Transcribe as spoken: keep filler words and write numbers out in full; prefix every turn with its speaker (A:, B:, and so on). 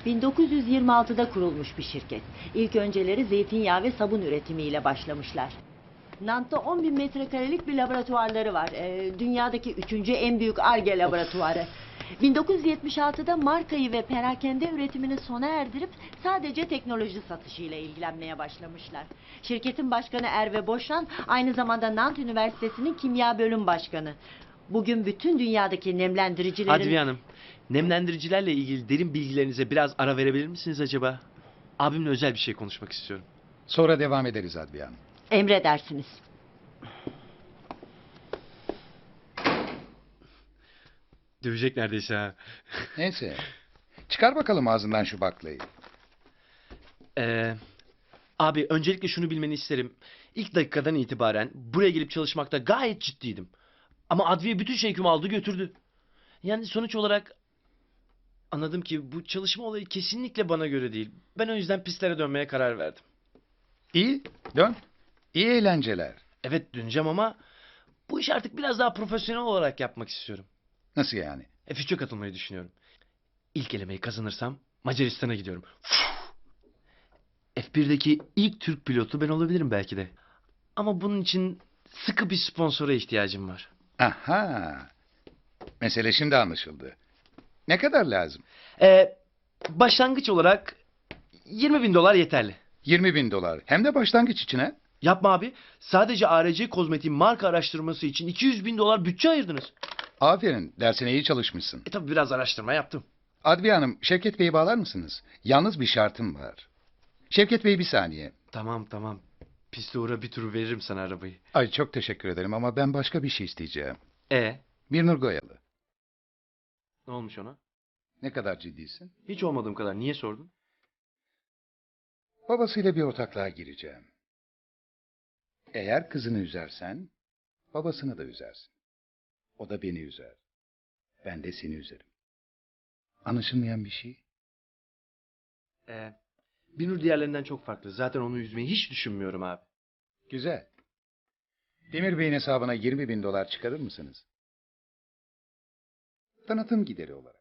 A: bin dokuz yüz yirmi altıda kurulmuş bir şirket. İlk önceleri zeytinyağı ve sabun üretimiyle başlamışlar. Nant'ta on bin metrekarelik bir laboratuvarları var. Ee, dünyadaki üçüncü en büyük Ar-Ge laboratuvarı. bin dokuz yüz yetmiş altıda markayı ve perakende üretimini sona erdirip sadece teknoloji satışıyla ilgilenmeye başlamışlar. Şirketin başkanı Erve Boşan aynı zamanda Nant Üniversitesi'nin kimya bölüm başkanı. Bugün bütün dünyadaki nemlendiricilerin...
B: Adviye Hanım, nemlendiricilerle ilgili derin bilgilerinize biraz ara verebilir misiniz acaba? Abimle özel bir şey konuşmak istiyorum.
C: Sonra devam ederiz Adviye Hanım.
A: Emredersiniz.
B: Dövecek neredeyse ha.
C: Neyse. Çıkar bakalım ağzından şu baklayı.
B: Ee, abi öncelikle şunu bilmeni isterim. İlk dakikadan itibaren buraya gelip çalışmakta gayet ciddiydim. Ama Adviye bütün şevkimi aldı götürdü. Yani sonuç olarak anladım ki bu çalışma olayı kesinlikle bana göre değil. Ben o yüzden pistlere dönmeye karar verdim.
C: İyi, dön. İyi eğlenceler.
B: Evet döneceğim ama bu işi artık biraz daha profesyonel olarak yapmak istiyorum.
C: Nasıl yani?
B: F üçe katılmayı düşünüyorum. İlk elemeyi kazanırsam Macaristan'a gidiyorum. F birdeki ilk Türk pilotu ben olabilirim belki de. Ama bunun için sıkı bir sponsora ihtiyacım var.
C: Aha. Mesele şimdi anlaşıldı. Ne kadar lazım?
B: Ee, başlangıç olarak yirmi bin dolar yeterli.
C: yirmi bin dolar. Hem de başlangıç için ha?
B: Yapma abi. Sadece A R C Kozmetik'in marka araştırması için iki yüz bin dolar bütçe ayırdınız.
C: Aferin. Dersine iyi çalışmışsın.
B: E tabi biraz araştırma yaptım.
C: Adviye Hanım, Şevket Bey'i bağlar mısınız? Yalnız bir şartım var. Şevket Bey bir saniye.
B: Tamam tamam. Piste uğra bir tur veririm sana arabayı.
C: Ay çok teşekkür ederim ama ben başka bir şey isteyeceğim.
B: E
C: Birnur Goyalı.
B: ne olmuş ona?
C: Ne kadar ciddisin?
B: Hiç olmadığım kadar. Niye sordun?
C: Babasıyla bir ortaklığa gireceğim. Eğer kızını üzersen, babasını da üzersin. O da beni üzer. Ben de seni üzerim. Anlaşılmayan bir şey.
B: E, Binur diğerlerinden çok farklı. Zaten onu üzmeyi hiç düşünmüyorum abi.
C: Güzel. Demir Bey'in hesabına yirmi bin dolar çıkarır mısınız? Tanıtım gideri olarak.